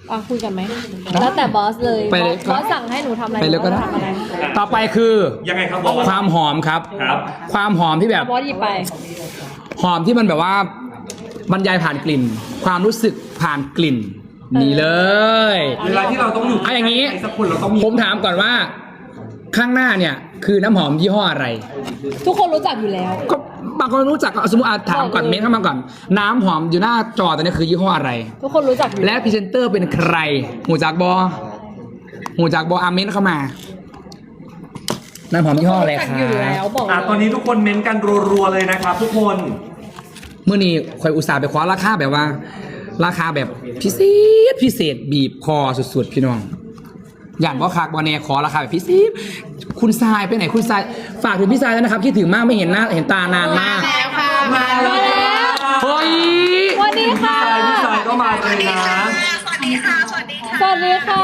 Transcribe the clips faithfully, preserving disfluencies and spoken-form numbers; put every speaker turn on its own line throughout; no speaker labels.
อ่ะคุยกันไหมแล้วแต่บอสเลย
ไปเลย
บอสสั่งให้หนูทำอะไร
ไปเลยก็ได้
หนูทำอะไร
ต่อไปคือ
ยังไงครับบอส
ความหอมครับ
ครับ
ความหอมที่แบบ
บอสหยิบไป
หอมที่มันแบบว่าบรรยายผ่านกลิ่น ความรู้สึกผ่านกลิ่นนี่เลย
เวลาที่เราต้องอยู่
เอาอย่างนี้
ใครสักคนเราต้องมี
ผมถามก่อนว่า ข้างหน้าเนี่ยคือน้ำหอมยี่ห้ออะไร
ทุกคนรู้จักอยู่แล้ว
ก็บางคนรู้จักสมมติอ่ะถามก่อน
บอกเลย
เม้นเข้ามาก่อน น้ำหอมอยู่หน้าจอตอนนี้คือยี่ห้ออะไร
ทุกคนรู้จักอยู่
และพรีเซนเตอร์เป็นใคร หูจากบอหูจากบออาเมนเข้ามา น้ำหอมยี่ห้ออะไร
รู้จัก
คะ
อยู่แล้วบอก
อ่ะตอนนี้ทุกคนเม้นกันรัวๆเลยนะครับ ทุกคน
เมื่อนี้คอยอุตส่าห์ไปคว้าราคาแบบว่า ราคาแบบพิเศษพิเศษบีบคอสุดๆพี่น้อง อย่างว่าคากบอเน่ขอราคาแบบพิเศษคุณทรายไปไหนคุณทรายฝากถึงพี่ทรายแล้วนะครับคิดถึงมากไม่เห็นหน้าเห็นตานานมาก
แล้วค่ะ
มาแล้ว
เฮ้ย
สวัสดีค่ะ
พี่สายก็มาเลยนะ
สวัสดีค่ะ สวัสดีค่ะ
สวัสดีค่ะ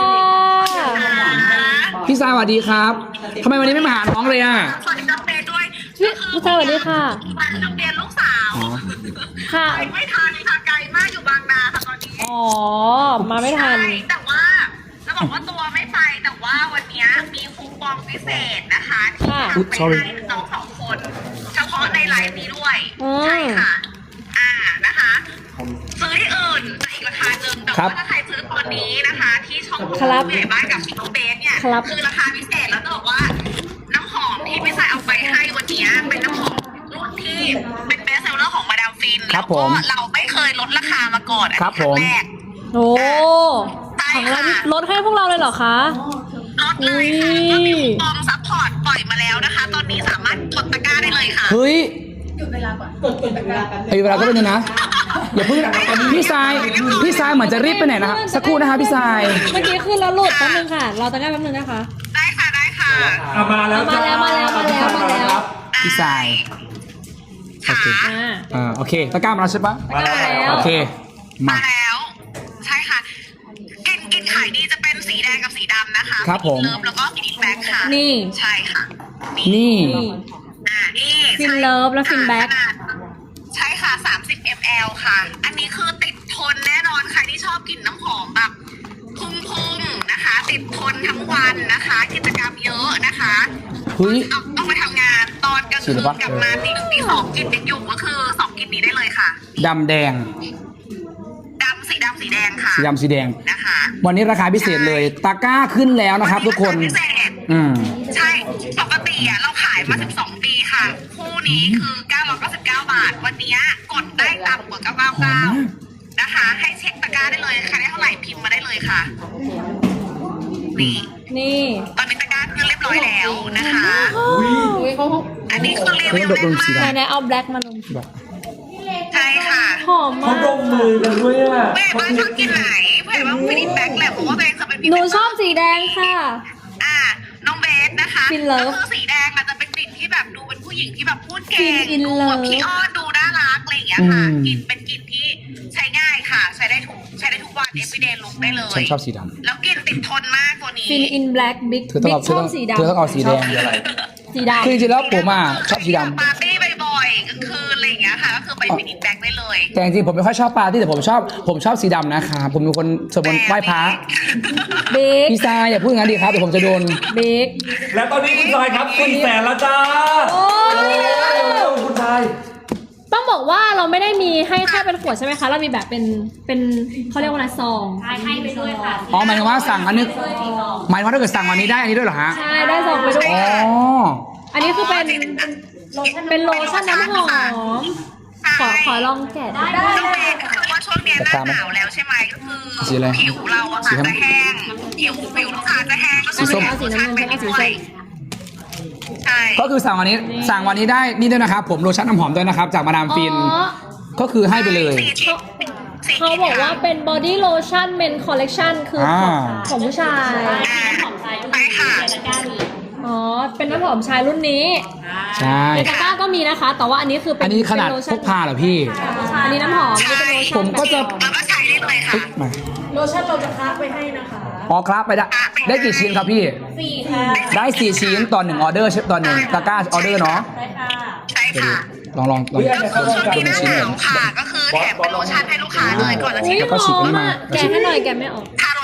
พี่ทรายสวัสดีครับทำไมวันนี้ไม่มาหาน้องเลยอ่ะ
สวัสดีน้องเบสด้วย
พี่ผู้ชายสวัสดีค่ะ
มาโรงเรียนลูกสาว
ค่ะ
ไปไม่ทันค่ะไกลมากอยู่บางนาค่ะตอนนี้
อ๋อ มาไม่ทัน
ใช่แต่ว่าจะบอกว่าตัวไม่ไปแต่ว่าวันนี้มีคูปองพิเศษนะคะที่
ค่ะ
ทำไปให้น้องสองคน เฉพาะในไลฟ์นี้ด้วย
อืม
ใช่ค่ะ อ่านะคะ ซื้อที่อื่นจะอีกราคาหนึ่งแต่
ครับ
ว่าถ้าใครซื้อตอนนี้นะคะ ที่ช่อง
ครับ
ผู้ใหญ่บ้านกับชิคเบสเนี่ย
ครับ
คือราคาพิเศษแล้วจะบอกว่า น้ำหอมที่พี่สายเอาไปให้วันนี้เป็นน้ำหอมรุ่นที่เป็นเบสเซลเลอร์ของมาดามฟิน
ครับผม
แล้วก็เราไม่เคยลดราคามาก่อนอัน
ครับ
นี้ครั้
ผม
งแรก
โอ้
ใช่
ของเรา
ค่ะ
ลดให้พวกเราเลยเหรอคะ
ลดเลยค่ะ
อุ้ย
ก็มีคูปองซัพพอร์ตปล่อยมาแล้วนะคะ ตอนนี้สามารถกดตะกร้าได้เลยค่ะ
เฮ้ยหยุดเวลาก่อนกดกดเวลาไอ้เวลาก็เป็นนะอย่าเพิ่งพี่ทรายพี่ทรายเหมือนจะรีบไปไหนนะครับสักครู่นะคะพี่ทราย
เมื่อกี้ขึ้นแล้วหลุดแป๊บนึงค่ะ เราตะกร้าแป๊บนึงนะคะ
ได้ค่ะได้ค่ะ
อ่ะมาแล้วจ้
มาแล้วมาแล้วมาแล้วมาแล้ว
ครับ
พี่ทราย โอเค
ค่ะ
อ่า
อ่าโอเคตะกร้ามาแล้วใช่ปะ
ตะกร้ามาแล้ว
โอเคมา
มาแล้ว ใช่ค่ะกลินกลินขายดีจะเป็นสีแดงกับสีดำนะคะ
ครับผม
เลิฟแล้วก็ฟินแบ็คค่ะ
นี่
ใช่ค่ะ
นี่
นี่
อ่านี่
ฟินเลิฟและฟินแบ็ค
ขนาดใช่ค่ะสามสิบมิลลิลิตร ค่ะ อันนี้คือติดทนแน่นอนใครที่ชอบกลิ่นน้ำหอมแบบพุ่งๆนะคะ ติดทนทั้งวันนะคะ กิจกรรมเยอะนะคะ
เฮ้ย
เอาต้องไปทำงานตอนกลางคืน
ฉีดหรือเปล่า
กลับมาตีหนึ่งตีสองกลิ่นยังอยู่ก็คือสองกลิ่นนี้ได้เลยค่ะ
ดำแดง
ดำสีดำสีแดงค่ะ
สีดำสีแดง
นะคะ
วันนี้ราคาพิเศษเลยตะกร้าขึ้นแล้วนะครับ ทุกคน
พิเศษ
อืม
ใช่ปกติอ่ะเราขายมาสิบสองปีค่ะ คู่นี้คือเก้าร้อยเก้าสิบเก้าบาท วันนี้กดได้ต่ำกว่าเก้าร้อยเก้าสิบเก้านะคะ ให้เช็คตะกร้าได้เลยใครได้เท่าไหร่พิมพ์มาได้เลยค่ะนี่
นี่
ตอนนี้ตะกร้าขึ้นเรียบร้อยแล้วนะคะ
อุ้ยเขา
อันนี้คือรีวิว
เฮ้ย
แน่น
ดมสี
มา
ไหน
ก
ไหนเอาแบล็กมาลง
ใช่ค่ะ
หอม
เขา
มาก
ดมมือกันด้วยอ่ะ
เพื่อนบ้านชอบกินไหนเพื่อนบ้านไม่ได้แบ็คแหละเพราะว่าตัวเองจะเป็น
หนูชอบสีแดงค่ะ
อ่าน้องเบสนะคะ
ฟินเลิฟ
ก็คือสีแดงอาจจะเป็นกลิ่นที่แบบดูเป็นผู้หญิงที่แบบพูดเก่
ฟิ
ง
นอิน
ดู
เลิ
แบ
ฟ
บพี่อ้อนดูน่ารักอะไรอย่างเงี้ยค่ะ
อืม
กลิ่นเป็นกลิ่นที่ใช้ง่ายค่ะ ใช้ได้ทุกใช้ได้ทุกวัน everyday look ได้เลย
ฉันชอบสีด
แล้วกลิ่นติดทนมากตัวนี้
ฟินอินแบล็กบิ๊ก
ำเธอต้อง
บิ๊
เอา
ก
เธ
ช
อ
อ
ต้
บ
อง
สี
เธอต้อง
ดำ
เอาสีแดง
สีดำ
คือจริงๆแล้วผมอ่ะชอบสีดำ
ปาร์ตี้บ่อยๆกลางคืนอะไรอย่างเงี้ยค่ะ ก็คือไปฟินิชแบ็คได้เลย
แต่จริงๆผมไม่ค่อยชอบปาร์ตี้แต่ผมชอบผมชอบสีดำนะครับผมเป็นคนสวดมนต์ไหว้พระ
บิ๊ก
พี่ทรายอย่าพูดอย่างนั้นดีครับเดี๋ยวผมจะโดน
บิ๊ก
และตอนนี้คุณชายครับสี่แสนแล้วจ้า
โอ้ย
คุณชาย
ต้องบอกว่าเราไม่ได้มีให้แค่เป็นขวดใช่ไหมคะ เรามีแบบเป็นเป็นเขาเรียกว่าอะไรซองใช่ให้ไปด้วยค่ะ
อ๋อหมายถึงว่าสั่งอันนึงหมายถึงว่าถ้าเกิดสั่งวันนี้ได้อันนี้ด้วยเหรอฮะ
ใช่ได้ซองไปด้วย
อ๋อ
อันนี้คือเป็นเป็นโลชั่นน้ำหอม ขอขอลองแกะได้
น้องเมย์ก็คือว่าช่วงเนี้ยหน้าหนาวแล้วใช่ไหมก็คือ
สีอะไร
ผิวเราอะ
สี
ค่ะ
ส้ม
จะแห้งผิวผิวลูกค้าจะแห้งก็
สีส้ม
เอาสีน้ำเงินฉันเอาสีส้ม
ใช่
ก็คือสั่งวันนี้สั่งวันนี้ได้นี่ด้วยนะครับ ผมโลชั่นน้ำหอมด้วยนะครับ จากมาดามฟิน
อ๋อ
ก็คือให้ไปเลย
สีชิ้นสี
เขา
ชิ้น
บอกว่าเป็น body lotion men collection คือของ
อ่า
ของผู้ชาย
อ่าไปค่ะ
อ๋อ เป็นน้ำหอมชายรุ่นนี้
ใช่
ในตะกร้าก็มีนะคะ แต่ว่าอันนี้คือเป็น
อันนี้ขนาด
เป็โล
พ
ชั่
กพาเหรอพี่
อันนี้น้ำหอมนี่เป็นโลชั่น
ผมก็จะ
แล้วก็ใช้ได้เลยค่ะ
มา
โลชั่นเราจะคัดไปให้นะคะ
อ๋อครับไปได้ได้กี่ชิ้นครับพี่
สี่ค่ะ
ได้สี่ชิ้นต่อหนึ่งออเดอร์ใช่ต่อหนึ่งตะกร้าออเดอร์เนาะ
ได้ค่ะ
ใช่ค่ะ
ลองลองลอง
ก็คือช่วง
ดู
นี้ห
ใน
น้า
ชิ้น
ห
หน่
นา
อ
วย ค่ะ ก็คือแถมเป็นโลชั่นให้ลูกค้าเลยก่อนจะ
อุ้
ฉี
ย
ด
แล้วก็
ห
ฉีด
อ
อันนี้
ม
มา
อ่ะแกะให้หน่อยแกะไม่ออก
ทาโล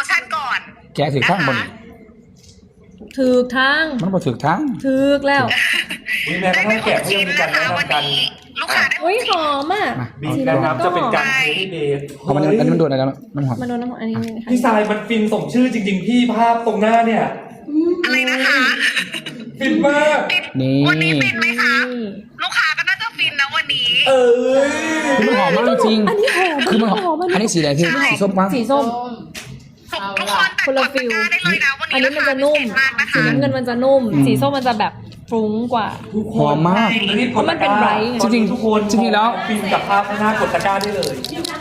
แกถือข้างบน
ถูกทาง
มันบ่ถือทั้ง
ถูกแล้ว
มีแม้ก
ได้
ระ
ไป
ทั่ง
ห
แกะ
ก
เขายั
ชิ้
ง
น
มีการแนะนำกัน
นะคะวันนี้ลูกค้าได้ห
อุ้ย
ก
ห
ชิ้น
อมอ่ะ
บีบนะครับจะเป็นการเทสเดย์
เพราะมันอันนี้มันโดนอะไรแล้วน้ำหอม
มาโดนน้ำหอมอันนี้นะคะ
พี่ทรายมันฟินสมชื่อจริง ๆ พี่ภาพตรงหน้าเนี่ย
อะไรนะคะ
ฟินมาก
ปิด
นี่
วันนี้ปิดไหมคะ ลูกค้าก็น่าจะฟินนะวันนี้
เอ้ย
คือมันหอมมากจริง
อันนี้หอม
คือมันหอมอันนี้สีอะไรพี่สีส้มปะ
สีส้ม
ทุกคนแต่
คน
ก
ละ
ด
ฟิ
ตะ
ล
กร้าได้เลยนะวัน
อัน
นี้
นี้มันจะนุ่ม
ราคาพิเศษมากนะคะ
สีน้ำเงินมันจะนุ่ม สีส้มมันจะแบบฟรุ้งกว่า
ทุกคน
หอมมาก
รีบกดตะกร้า
มันเป็นไบรท์ไง
ตอนนี้ทุกคน
จริงๆแล้ว
ฟินกับภาพข้างหน้ากดตะกร้าได้เลย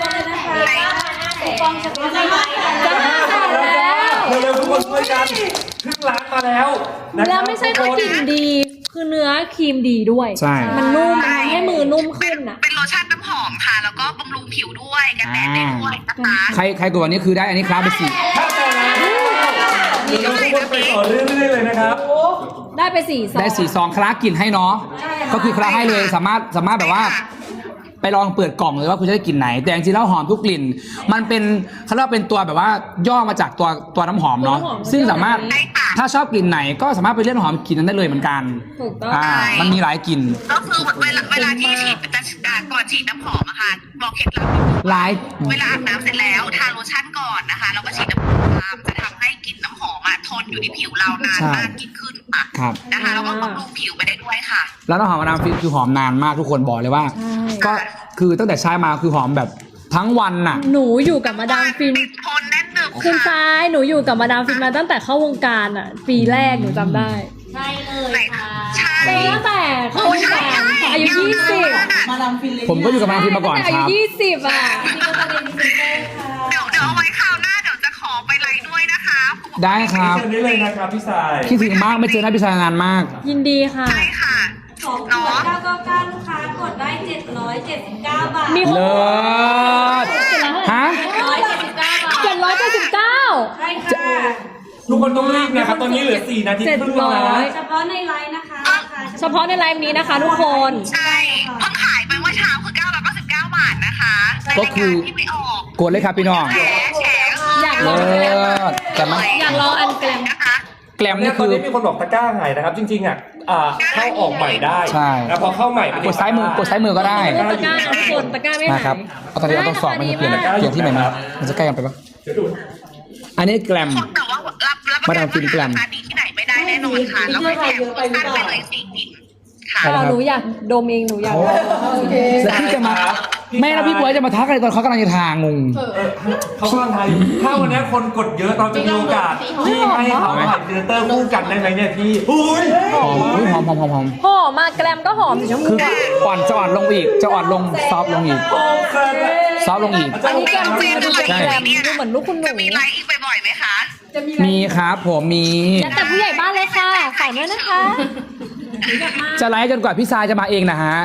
จะห้าแสนแล้ว
เร็วๆทุกคนช่วยกันครึ่งล้านมาแล้วนะครับ
แล้วไม่ใช่แค่กลิ่นดี คือเนื้อครีมดีด้วย
ใช่
มันนุ่มมันทำให้มือนุ่มขึ้นอ่ะ
เป็นโลชั่นน้ำหอมค่ะ แล้วก็บำรุงผิวด้วยกันแดดได้ด้วยนะคะ
ใครใครกดวันนี้คือได้อันนี้ครับไปสี่
ถ้าแต่แล้วเดี๋ยวทุกคนไปต่อเรื่อยๆเลยนะครับ
ได้ไปสี่ซอง
ได้สี่ซองคลากินให้เนาะก็คือคลาให้เลยสามารถสามารถแบบว่า ไปลองเปิดกล่องเลยว่าคุณจะได้กลิ่นไหน แต่จริงๆแล้วหอมทุกกลิ่น มันเป็นเขาเรียกว่าเป็นตัวแบบว่าย่อมาจากตัวตัวน้ำหอมเนาะซึ่งสามารถถ้าชอบกลิ่นไหนก็สามารถไปเลือกน้ำหอมกลิ่นนั้นได้เลยเหมือนกัน
ถูกต้อง
อ่ามันมีหลายกลิ่น
ก็คือเวลาเวลาที่ฉีดจะอ่าก่อนฉีดน้ำหอมอะค่ะ บอกเคล็ดลับ
หลาย
เวลาอาบน้ำเสร็จแล้วทาโลชั่นก่อนนะคะแล้วก็ฉีดน้ำหอมตามจะทำให้กลิ่นน้ำหอมอะทนอยู่ที่ผิวเรานานมากยิ่งขึ้นค่ะ
ครับ
นะคะแล้วก็บำรุงผิวไปได้ด้วยค่ะ
แล้วน้ำหอมมาดามฟินคือหอมนานมากทุกคนบอกเลยว่า
ใช่
ก็คือตั้งแต่ใช้มาคือหอมแบบทั้งวันน่ะ
หนูอยู่กับมาดามฟิน
ติดทนแน่นหนึบ
คุณ
ค่ะ
ซ้ายหนูอยู่กับมาดามฟินมาตั้งแต่เข้าวงการอ่ะ ปีแรกหนูจำได้
ใช่เลย
ไหน
ค่ะ
ใช่
ตั้งแต่เข้าวงการอายุยี่สิบ
มาดามฟินเลย
ผมก็อยู่กับมาดามฟินมาก่อน
ตั้งแต่อา
ค
ยุ
รับ
ยี่สิบอ่ะ
นี่ก็ประเด็นพรีเซนเตอร์ค่ะ
เดี๋ยวเดี๋ยวเอาไว้คราวหน้าเดี๋ยวจะขอไปไลฟ์ด้วยนะคะ
ได้ครับ
เชิญได้เลยนะครับพี่สาย
คิดถึงมากไม่เจอหน้าพี่ชายนานมาก
ยินดีค่ะ
ใช่ค่ะ
สองขวดเก้าเก้าเก้าลูกค้ากดได้เจ็ดร้อยเจ็ดสิบเก้าบาท
มี
เลิศฮะ
ร้อยเจ็ดสิบเก้าบาท
เจ็ดร้อยเจ็ดสิบเก้า
ใช่ค่ะ
ทุกคนต้องรีบนะครับตอนนี้เหลือสี่นาทีครึ่งแล้วนะ
เจ็ดร้อย
เฉพาะในไลน์นะคะราคา
เฉพาะในไลฟ์นี้นะคะทุกคน
ใช่เพิ่งขายไปเมื่อเช้าคือเก้าร้อยเก้าสิบเก้าบาทนะคะใน
ก็
ราย
คื
การ
อ
ที่ไม่ออก
กดเลยครับพี่น้อง
แฉแฉ
อยากล
เลิ
อง
ศแต่มัน
อยากลองอันแกลม
นะคะ
แกลม
เนี่
นี่
ยตอน
คือ
นี้มีคนบอกตะกร้าหายนะครับ จริงๆอ่ะอ่าเข้าออกใหม่ได้
ใช่
แล้วพอเข้าใหม่มัน
กดซ้ายมือกดซ้ายมือก็ได้
เลือกตะกร้านะทุกคนตะกร้าไม่หาย
นะครับเอาตอนนี้เราต้องสอบมันจะเปลี่ยนเปลี่ยนที่ใหม่มามันจะใกล้กันไปปะ
เดี๋ยวดู
อันนี้แกลม
แต่ว่ารับรับ
มาดามฟินแกรม
ราคาดีที่ไหนไม่ได้แน่นอนค่ะแล้วก็แถมโปรโมชั่นไปเลยสี่กลิ่นค่ะ
อ๋อหนูอยากดมเองหนูอยากได้โอเค
แล้วพี่จะมาแม่แล้วพี่บวยจะมาทักอะไรตอนเขากำลังจะทางงง
เขากำลังไทยถ้าวันนี้คนกดเยอะเราจะมีโอกาสที่ให้เขาถ่ายพรีเซนเตอร์คู่กันได้ไหมเนี่ยพี่อุ้ย
หอมอุ๊ยหอมหอมหอมหอม
หอมมากแกลมก็หอมสีชมพู
คือ
อะ
อ่อนจะอ่อนลงอีก จะอ่อนลงซอฟต์ลงอีก
โอ้แซ่บ
ซอฟต์ลงอีก
อันนี้แกลมจริงดูเป็น
ใช่
แกลมดูเหมือนลูกคุณหนู
จะมีไลฟ์อีกบ่อยๆไหมคะ
มีครับผมมี
แล้วแต่ผู้ใหญ่บ้านเลยค่ะฝากด้วยนะคะ
จะไลฟ์จนกว่าพี่ซายจะมาเองนะฮะ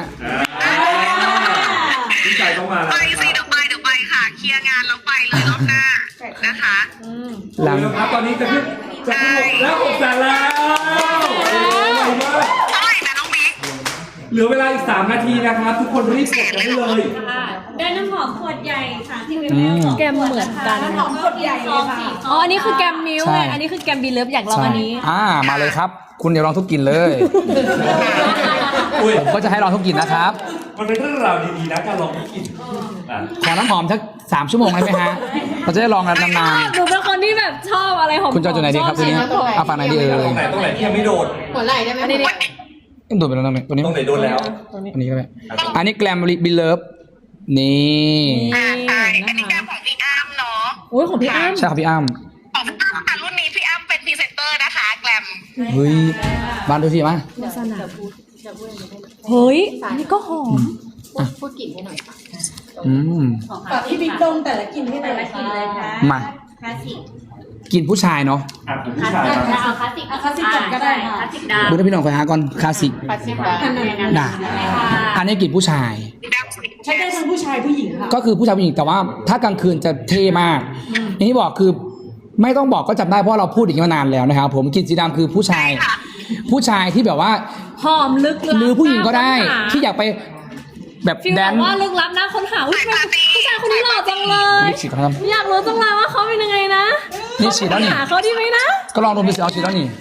พี่ชายต้องมาแล้ว
ไปสิเดี๋ยวไปเดี๋ยวไปค่ะ เคลียร์งานแล้วไปเลยรอบหน้านะคะ
หลัง
เร็วครับตอนนี้จะขึ้นจะขึ้นหกแล้วหกแสนแล้วโอ้โหไวมาก
เท่าไหร่นะน้องบิ๊ก
เหลือเวลาอีกสามนาทีนะครับ ทุกคนรีบกดกันได้เลย
ได้น้ำหอมขวดใหญ่ค่ะที่วิว
อืม
แกมเหมือนกัน
น้ำหอมขวดใหญ่เลยค่ะ
อ๋ออันนี้คือแกมมิว
ใช่
ไงอันนี้คือแกมบีเลิฟอยากลองอันนี้
อ่ามาเลยครับ คุณเดี๋ยวลองทุกกลิ่นเลย
อุ้ย
ผมก็จะให้ลองทุกกลิ่นนะครับ
มันเป็นเรื่องราวดีๆนะการลองกินอ่ะ
ขอน้ำหอมสักสามชั่วโมงได้ไหมฮะเราจะได้ลองกันนาน
หนูเป็นคนที่แบบชอบอะไรหอม
ๆคุณจะเอาจุดไหนดีครับทีนี้เอาฝั่งไหนดีเอ่ย
ตรงไหนตรงไหนที่ยังไม่โดน
หัวไหล่ได้ไหม
อันนี้ดิ
เอ็มโดดไปแล้วตรงนี้ตัวนี้
ตรงไหนโดนแล้ว
อันนี้ก็ได้อันนี้แกลมบิลเลิฟนี่
อ่าใช่อันนี้แก้มของพี่อ้ำเนาะ
โอ้ยของพี่อ้ำ
ใช่ครับพี่อ้ำ
ของพี่อ้ำค่ะรุ่นนี้พี่อ้ำเป็นพรีเซนเตอร์นะคะแกรม
เฮ้ยบ้านดูสิมา
เฮ้ยอันนี้ก็หอม
พูดกลิ่นให้หน่อยค่ะ
อืม
ฝากพี่บิ๊กดมแต่ละกลิ่นให้แต่ละกลิ่นเลยค่ะ
มา
คลาสสิก
กินผู้ชายเนาะ
อ่ะคุณผู้ชายครับ
เอาคลาสสิกเอาคลาสสิกก่อนก็ได้ค่ะคลาสสิกดา
ดูนะพี่น้องคอยหาก่อนคลาสสิก
คลาสสิกดา
น่ะอันนี้กินผู้ชาย
ใช้ได้ทั้งผู้ชายผู้หญิงค่ะ
ก็คือผู้ชายผู้หญิงแต่ว่าถ้ากลางคืนจะเท่มากอย่างที่บอกคือไม่ต้องบอกก็จำได้เพราะเราพูดอย่างนี้มานานแล้วนะครับผมกลินสีดำคือผู้ชาย ผู้ชายที่แบบว่า
หอมลึกลับ
หรือผู้หญิงก็ได้
น่าค้นหา
ที่อยากไปแบบ
ฟีล
แด
แบ
น
บว่าลึกลับนะค้นหาอุ๊ยผู้ชายคนนี้หล่อจังเลย
ลิปสติกครับ
อยากรู้จังเลยว่าเขาเป็นยังไงนะ
จนี่ฉีดแล้วนี่
หาเขาดีไหมนะ
ก็ลองดมดูสิเอาฉีดแล้วนี่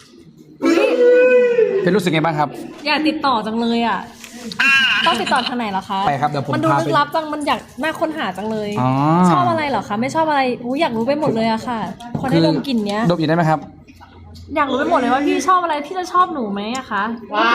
เป็นรู้สึกไงบ้างครับ
อยากติดต่อจังเลยอ่ะ ต้องติดต่อทางไหนเหรอคะ
ไปครับเดี๋ยวผม
มันดู
พา
ลึ
ไป
กลับจัง มันอยากน่าค้นหาจังเลย
อ๋อ
ชอบอะไรเหรอคะ ไม่ชอบอะไรอู้อยากรู้ไปหมดเลยอะค่ะ พอได้ดมกลิ่นเนี้ย
ดมอีกได้ไหมครับ
อยากรู้ไปหมดเลยว่าพี่ชอบอะไร พี่จะชอบหนูไหมอะคะ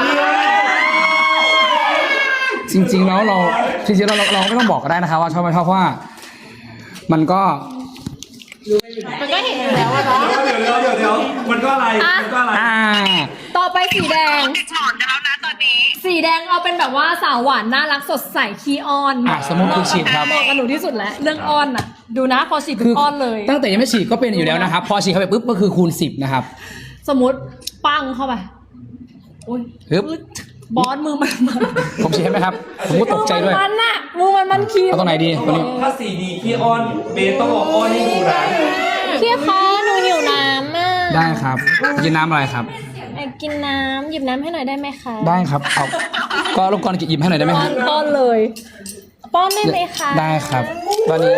จริงๆแล้วเราจริงๆเราเราเราไม่ต้องบอกก็ได้นะครับว่าชอบไม่ชอบเพราะว่า มันก็
มันก็เห็นอยู่แล้วอะเนาะ
เดี๋ยวเดี๋ยวเดี๋ยวเดี๋ยวมันก็อะไร
อ่ะ
มันก็อะไร
อ่า
ต่อไปสีแดง
ติดหมอนกันแล้วนะตอนนี้
สีแดงเอาเป็นแบบว่าสาวหวานน่ารักสดใสขี้อ้อน
อ่ะสมมุติคุณฉีดครับ
เหมาะกับหนูที่สุดแล้ว เรื่องอ้อนน่ะ ดูนะพอฉีด
คื
ปุ๊บอ้อนเลย
ตั้งแต่ยังไม่ฉีดก็เป็นอยู่แล้วนะครับ พอฉีดเข้าไปปุ๊บก็คือคูณสิบนะครับ
สมมติปังเข้าไปอุ้ย
ฮึบ
บอสมือมันมัน
ผมฉีดให้ไหมครับ ผมก็ตกใจด้วย
มือมันน่ะมือมันมันคี
เอาตรงไหนดีตรงนี้
ถ้าสีดีขี้อ้อนเบสต้องออกอ้อนให้ดูนะ
พี่คะหนูหิวน้ำอ่ะ
ได้ครับกินน้ำอะไรครับ
อยากกินน้ำหยิบน้ำให้หน่อยได้ไหมคะ
ได้ครับเอาก็รบกวนหยิบให้หน่อยได้ไหม
ป้
ค
อ
รับ
นป้อนเลยป้อนได้ไหมคะ
ได้ครับ ตอนนี้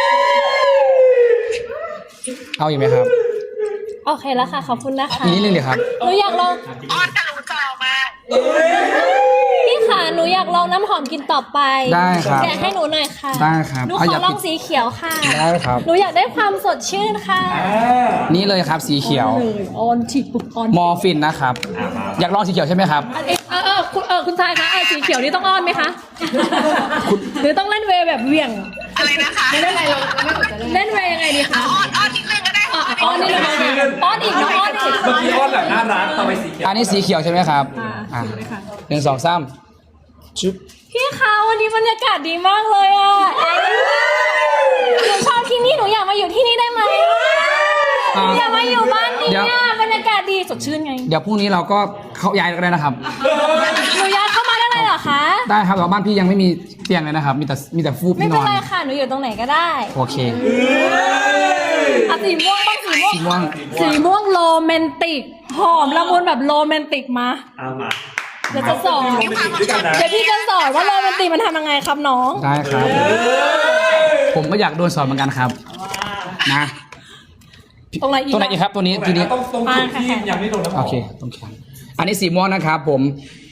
เอาอีกไหมครับ
โอเคแล้วค่ะขอบคุณนะคะ
อีกนิดนึงเดี๋ยวครับ
หนูอยากลอง
อ้อนทะลุจอมาก
พี่ค่ะหนูอยากลองน้ำหอมกินต่อไป
ได้ครับ
แกะให้หนูหน่อยค่ะ
ได้ครับ
หนู
เอา
ข
อ
อย่าง ลองสีเขียวค่ะ
ได้ครับ
หนูอยากได้ความสดชื่นค่ะ
นี่เลยครับสีเขียว
เลยออนฉีดปุ๊บออน
มอร์ฟินนะครับ อยากลองสีเขียวใช่ไหมครับ
เอยเออเออคุณเออคุณชายคะเออสีเขียวนี่ต้องอ้อนไหมคะหรือต้องเล่นเวย์แบบเหวี่ยง
อะไรนะคะ
ไม่ได้อะไรเราไม่สนใจเล่นเวย์ยังไงดีคะ
อ้อนอ้อนนิดนึงก็ได้
อ่ะอ้อนนี่เลยอ้อนอีกน้องอ้อนอีก
เมื่อกี้อ้อนแบบน่ารักต่อไปสีเขียว
อันนี้สีเขียวใช่ไหมครับ
อ่า
อ่ะ
สีเลยค่ะ
หนึ่งสองสามชุบ
พี่คะวันนี้บรรยากาศดีมากเลยอ่ะหนูชอบที่นี่หนูอยากมาอยู่ที่นี่ได้ไหมหนูอยากมาอยู่บ้านนี้อ่ะบรรยากาศดีสดชื่นไง
เดี๋ยวพรุ่งนี้เราก็เข้าย้ายกันได้นะครับ
หนูย้ายเข้ามาได้เลยเหรอคะ
ได้ครับแต่ว่าบ้านพี่ยังไม่มีเตียงเลยนะครับ มีแต่มีแต่ฟูก
ไม่
พี่น
เป็น
อน
ไรค่ะหนูอยู่ตรงไหนก็ได้
โอเค
อ่ะสีม่วงบ้างสีม่วง
สีม่วง
สีม่วงโรแมนติกหอมละมุนแบบโรแมนติกมา
เอามา
เดี๋ยวจะสอน
ด้วยกันนะ
เดี๋ยวพี่จะสอนว่าโรแมนติกมันทำยังไงครับน้อง
ได้ครับ ผมก็อยากโดนสอนเหมือนกันครับ นะ
ตรงไหนอีก
ตัวไหนอีกครับตัวนี้ทีนี้
ต้องตรงจุดที่ยังไม่โดนน้ำหอ
โอ
ม
เคตรงแขนอันนี้สีม่วงนะครับ ผม